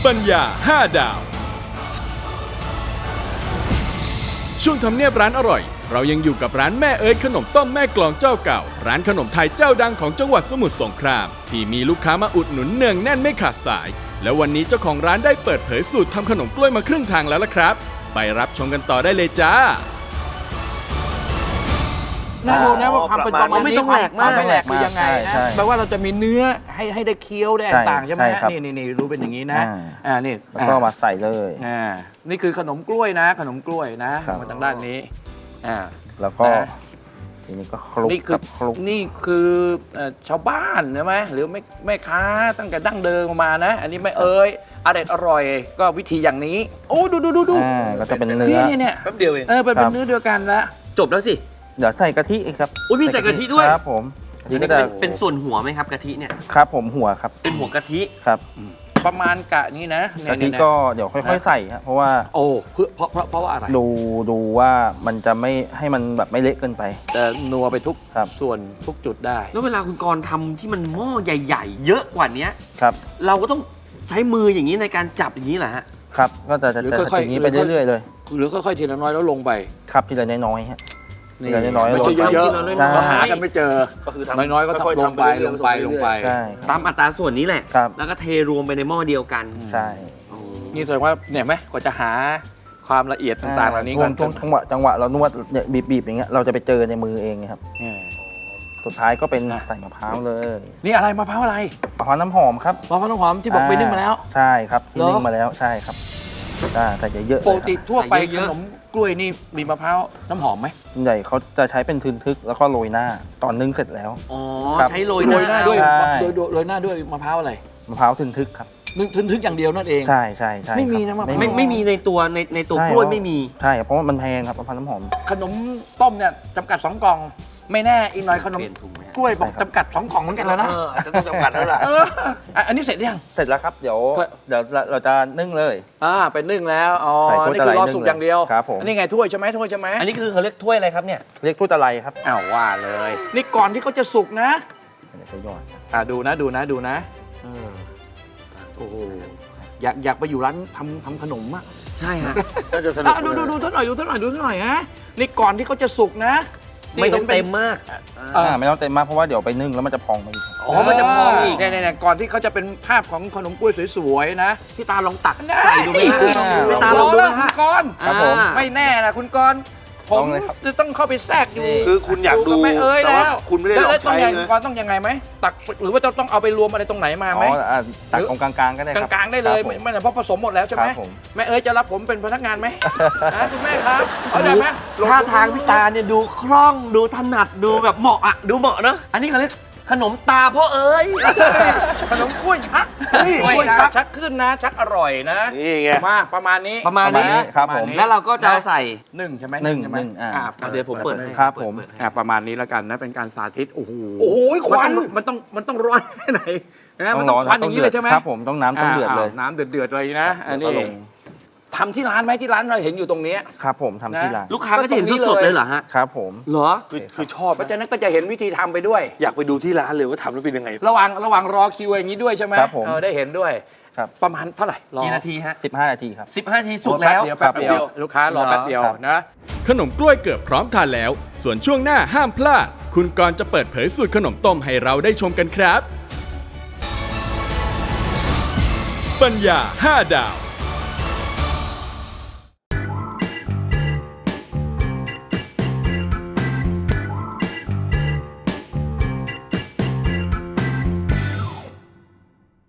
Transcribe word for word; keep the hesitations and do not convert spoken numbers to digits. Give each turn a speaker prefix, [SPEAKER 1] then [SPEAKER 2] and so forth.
[SPEAKER 1] ปัญญาห้าดาวช่วงทำเนียบร้านอร่อยเรายังอยู่กับร้านแม่เอ๋ยขนมต้มแม่กลองเจ้าเก่าร้านขนมไทยเจ้าดังของจังหวัดสมุทรสงครามที่มีลูกค้ามาอุดหนุนเนืองแน่นไม่ขาดสายแล้ววันนี้เจ้าของร้านได้เปิดเผยสูตรทำขนมกล้วยมาครึ่งทางแล้วล่ะครับไปรับชมกันต่อได้เลยจ้า
[SPEAKER 2] น่าดูนะว่าความเป็นประมาณนี้
[SPEAKER 3] ไม่ต้องแหลกมาก
[SPEAKER 2] ไม่แหลกคือยังไงนะแปลว่าเราจะมีเนื้อให้ให้ได้เคี้ยวได้ต่างใช่ไหมนี่นี่นี่รู้เป็นอย่างนี้นะอ่านี่
[SPEAKER 4] แล้วก็มาใส่เลย
[SPEAKER 2] อ่านี่คือขนมกล้วยนะขนมกล้วยนะมาทางด้านนี้อ่า
[SPEAKER 4] แล้วก็ทีนี้ก็คลุก
[SPEAKER 2] นี่คือ
[SPEAKER 4] คลุก
[SPEAKER 2] นี่คือชาวบ้านใช่ไหมหรือแม่แม่ค้าตั้งแต่ดั้งเดิมมานะอันนี้ไม่เอ่ยอร่อยอร่อยก็วิธีอย่างนี้โอ้ดูดูดูดู
[SPEAKER 4] อ่าก็จะเป็นเนื้อ
[SPEAKER 2] เนี่ยเนี่ย
[SPEAKER 3] แป๊บเดียวเอง
[SPEAKER 2] เออเป็นเนื้อเดียวกันละ
[SPEAKER 3] จบแล้วสิ
[SPEAKER 4] เดี๋ยวใส่กะทิอีกครับ
[SPEAKER 3] อุ้ยมีใส่กะทิด้วย
[SPEAKER 4] ครับผมกะทิ
[SPEAKER 3] อัน
[SPEAKER 4] ก็
[SPEAKER 3] นี้
[SPEAKER 4] จะ
[SPEAKER 3] เป็นเป็นส่วนหัวไหมครับกะทิเนี่ย
[SPEAKER 4] ครับผมหัวครับ
[SPEAKER 3] เป็นหัวกะทิ
[SPEAKER 4] ครับ
[SPEAKER 2] ประมาณกะนี้นะเนี่ย
[SPEAKER 4] กะทิ
[SPEAKER 2] เนี่ย
[SPEAKER 4] ก็เดี๋ยวค่อยๆใส่ครับเพราะว่า
[SPEAKER 2] โอ้เพื่อเพราะเพราะเพราะว่าอะไร
[SPEAKER 4] ดูดูว่ามันจะไม่ให้มันแบบไม่เละเกินไป
[SPEAKER 2] จะนัวไปทุก
[SPEAKER 4] ครับ
[SPEAKER 2] ส่วนทุกจุดได้
[SPEAKER 3] แล้วเวลาคุณกรณ์ทำที่มันหม้อใหญ่ ๆ เยอะกว่านี้
[SPEAKER 4] ครับ
[SPEAKER 3] เราก็ต้องใช้มืออย่างนี้ในการจับอย่างนี้แหละฮะ
[SPEAKER 4] ครับก็จะจะ
[SPEAKER 2] หรือ
[SPEAKER 4] จะ
[SPEAKER 2] ค่อยๆ
[SPEAKER 4] อย่างนี้ไปเรื่อยๆเลย
[SPEAKER 2] หรือค่อยๆทีละน้อยแล้วลงไป
[SPEAKER 4] ครับทีละน้อยๆฮะ
[SPEAKER 2] นี่
[SPEAKER 4] ทีละน้อยๆ
[SPEAKER 2] ไม่ใช่เยอะ
[SPEAKER 3] ลง
[SPEAKER 2] ๆ
[SPEAKER 4] ใช่
[SPEAKER 2] เราหากันไม่เจอ
[SPEAKER 3] ก็คือ
[SPEAKER 2] น้อยๆก็ต้องลงไปลงไปลงไป
[SPEAKER 4] ใช่
[SPEAKER 3] ตามอัตราส่วนนี้แหละ
[SPEAKER 4] ครับ
[SPEAKER 3] แล้วก็เทรวมไปในหม้อเดียวกัน
[SPEAKER 4] ใช่
[SPEAKER 2] นี่แสดงว่าเนี่ยไหมกว่าจะหาความละเอียดต่างๆเหล่านี้
[SPEAKER 4] ช่
[SPEAKER 2] ก่
[SPEAKER 4] ว
[SPEAKER 2] อง น
[SPEAKER 4] ช่วงจังหวะจังหวะเรานวดเนี่ยบีบๆอย่างเงี้ยเราจะไปเจอในมือเองครับ
[SPEAKER 2] อืม
[SPEAKER 4] สุดท้ายก็เป็นใส่มะพร้าวเลย
[SPEAKER 2] นี่อะไรมะพร้าวอะไร
[SPEAKER 4] มะพร้าวน้ำหอมครับ
[SPEAKER 2] มะพร้าวน้ำหอมที่บอกไปนึ่งมาแล้ว
[SPEAKER 4] ใช่ครับที่
[SPEAKER 2] เหรอ
[SPEAKER 4] นึ่งมาแล้วใช่ครับอ่าใส่เยอะๆ
[SPEAKER 2] ปกติทั่วไป
[SPEAKER 3] ใส่
[SPEAKER 2] ข
[SPEAKER 3] เยอะๆ
[SPEAKER 2] นมกล้วยนี่มีมะพร้าวน้ำหอมไหม
[SPEAKER 4] ส่วนใหญ่เขาจะใช้เป็นทึนทึกแล้วก็โรยหน้าตอนนึ่งเสร็จแล้ว
[SPEAKER 3] อ๋อ
[SPEAKER 4] ครับ
[SPEAKER 3] ใช้โรย
[SPEAKER 2] โร
[SPEAKER 3] ห
[SPEAKER 2] ยหน้า
[SPEAKER 3] น้า
[SPEAKER 2] ด้วย
[SPEAKER 4] ใช่
[SPEAKER 2] โดยโดยโรยหน้าด้วยมะพร้าวอะไร
[SPEAKER 4] มะพร้าวทึนทึกครับ
[SPEAKER 2] นึกทึกๆอย่างเดียวนั่นเอง
[SPEAKER 4] ใช่ใช่ใช่
[SPEAKER 2] ไม่มี
[SPEAKER 4] ครับ
[SPEAKER 2] นะมะพร้าว
[SPEAKER 3] ไม่ไม่มีในตัวในในตัว
[SPEAKER 4] ใช่
[SPEAKER 3] กล้วยไม่มี
[SPEAKER 4] ใช่ครับเพราะว่ามันแพงครับมะพร้าวน้ำหอม
[SPEAKER 2] ขนมต้มเนี่ยจำกัดสองกล่อง ไม่แน่อีกหน่อยขนม
[SPEAKER 3] เปลี่ยนถุงไหมฮะ
[SPEAKER 2] กล้วยบอกจำกัดสองกล่องเหมือนกันแล้วนะ
[SPEAKER 3] เอออาจจะต้องจำกัดแล้วล่ะ
[SPEAKER 2] เอออ่ะอันนี้เสร็จยัง
[SPEAKER 4] เสร็จแล้วครับเดี๋ยว
[SPEAKER 2] เพื่อ
[SPEAKER 4] เดี๋ยวเราเราจะนึ่งเลย
[SPEAKER 2] อ่าเป็นนึ่งแล้วอ๋อ
[SPEAKER 4] ใส่ถ้วย
[SPEAKER 2] นี่คือรอสุก
[SPEAKER 4] ตะไลนึ่ง
[SPEAKER 2] อย่างเดียว
[SPEAKER 4] ครับผม
[SPEAKER 2] อันนี้ไงถ้วยใช่ไหมถ้วยใช่ไหม
[SPEAKER 3] อันนี้คือเขาเรียกถ้วยอะไรครับเนี่ย
[SPEAKER 4] เรียกทูตะไลครับ
[SPEAKER 2] อ้าวว่าเลย นี่ก่อนที่เขาจะสุกนะ
[SPEAKER 4] เดี๋ยวจะยอด
[SPEAKER 2] อ่าดูนะดูนะดูนะเออโอ้โหอยากอยากไปอยู่ร้านทำทำขนมอ่ะ
[SPEAKER 3] ใช่ฮะ
[SPEAKER 4] ก็จะสนุก
[SPEAKER 2] อ่ะดูดูดูท่านหน่อยดูท่านหน่อยดูท่านหน่อยฮะนี่ก่อนที่เขาจะสุกนะ
[SPEAKER 3] ไม่ต้องเต็มมาก
[SPEAKER 2] เออ
[SPEAKER 4] อ่าไม่ต้องเต็มมากเพราะว่าเดี๋ยวไปนึ่งแล้วมันจะพองไปอีกครับ
[SPEAKER 3] อ๋อมันจะพองอีก
[SPEAKER 2] เนี่ยเนี่ยก่อนที่เขาจะเป็นภาพของขนมกล้วยสวยๆนะ
[SPEAKER 3] พี่ตาลองตักใส่ดูไหมฮะ
[SPEAKER 4] อ่า
[SPEAKER 3] พี่ตาลองดู
[SPEAKER 2] แล้
[SPEAKER 3] ไห
[SPEAKER 2] ว
[SPEAKER 3] ม
[SPEAKER 2] คุณ
[SPEAKER 3] ฮะ
[SPEAKER 2] กรณ์
[SPEAKER 4] ครับผม
[SPEAKER 3] อ่า
[SPEAKER 2] ไม่แน่นะคุณกรณ์ผม
[SPEAKER 4] ลองเลยครับ
[SPEAKER 2] จะต้องเข้าไปแทรกอยู่
[SPEAKER 3] นี่
[SPEAKER 5] คือคุณอยากดู
[SPEAKER 2] บแม่เอ้ย
[SPEAKER 5] แต่
[SPEAKER 2] แล้
[SPEAKER 5] ว่าว คุณไม่ได้ลอง
[SPEAKER 2] แล้วต้อง
[SPEAKER 5] ใช้
[SPEAKER 2] ยังไง
[SPEAKER 5] นะ
[SPEAKER 2] คุณกรณ์ต้องยังไงไหมตักหรือว่าจะต้องเอาไปรวมอะไรตรงไหนมา
[SPEAKER 4] อ๋
[SPEAKER 2] ไหม
[SPEAKER 4] ออ่าตักตรงกลางๆก็ได้
[SPEAKER 2] ก
[SPEAKER 4] ครับ
[SPEAKER 2] ลางๆได้เลย
[SPEAKER 4] ครับผม
[SPEAKER 2] ไม่ไม่เพราะผสมหมดแล้วใช่ไหม
[SPEAKER 4] ครับผม
[SPEAKER 2] แม่เอ้ยจะรับผมเป็นพนักงานไหมนะคุณแม่ครับเอาได้ไหมล
[SPEAKER 3] ท่าทางพี่ตาเนี่ยดูคล่องดูถนัดดูแบบเหมาะอะดูเหมาะเนอะอันนี้เขาเรียกขนมตาพ่อเอ๋ย
[SPEAKER 2] ขนมกล้วยชัก
[SPEAKER 3] กล้วยชัก
[SPEAKER 2] ชักขึ้นนะ ชักอร่อยนะ
[SPEAKER 5] นี่ไง
[SPEAKER 2] มาประมาณนี้
[SPEAKER 3] ประมาณนี้
[SPEAKER 4] ครับ
[SPEAKER 2] ปะาณ
[SPEAKER 4] ผม
[SPEAKER 2] นี้
[SPEAKER 3] แล้วเราก็จะเอาใส่
[SPEAKER 2] หนึ่งใช่ไหม
[SPEAKER 4] หนึ่ง
[SPEAKER 2] ใช่ไหม
[SPEAKER 4] หนึ่งอ่า
[SPEAKER 2] อ่า
[SPEAKER 3] เอาเดี๋ยวผมเปิดให้
[SPEAKER 4] ครับผม
[SPEAKER 3] เปิดให้
[SPEAKER 2] อ่าประมาณนี้แล้วกันนะเป็นการสาธิตโอ้โห
[SPEAKER 5] โอ้โหควัน
[SPEAKER 2] มันต้องมันต้องร้อนแค่ไหนนะมันต้อง
[SPEAKER 4] ร้
[SPEAKER 2] ควันอย่างนี้เลยใช่ไหม
[SPEAKER 4] ครับผมต้องน้ำต้องเดือดเลย
[SPEAKER 2] าน้ำเดือดๆเลยนะอันนี้
[SPEAKER 4] แล้วก็ลง
[SPEAKER 2] ทำที่ร้านไหมที่ร้านเราเห็นอยู่ตรงนี้
[SPEAKER 4] ครับผมทำที่ร้าน
[SPEAKER 3] ลูกค้าก็จะเห็นสดๆเลยเหรอฮะ
[SPEAKER 4] ครับผม
[SPEAKER 3] เหรอ
[SPEAKER 5] คือคือชอบ
[SPEAKER 2] เพราะฉะนั้นก็จะเห็นวิธีทำไปด้วย
[SPEAKER 5] อยากไปดูที่ร้านเลยว่าทำแล้วเป็นยังไง
[SPEAKER 2] ระหว่างระหว่างรอคิวอย่างนี้ด้วยใช่ไหม
[SPEAKER 4] ครับผม
[SPEAKER 2] เออได้เห็นด้วย
[SPEAKER 4] ครับ
[SPEAKER 2] ประมาณเท่าไหร่รอ
[SPEAKER 3] กี่นาทีฮะ
[SPEAKER 4] สิบห้านาทีครับ
[SPEAKER 3] สิบห้านาทีสุกแล้ว
[SPEAKER 2] แป๊บเดียวแป๊บเดียวลูกค้ารอแป๊บเดียว
[SPEAKER 4] ครับ
[SPEAKER 2] นะ
[SPEAKER 1] ขนมกล้วยเกือบพร้อมทานแล้ว ส่วนช่วงหน้าห้ามพลาด คุณกรณ์จะเปิดเผยสูตรขนมต้มให้เราได้ชมกันครับ ปัญญาห้าดาว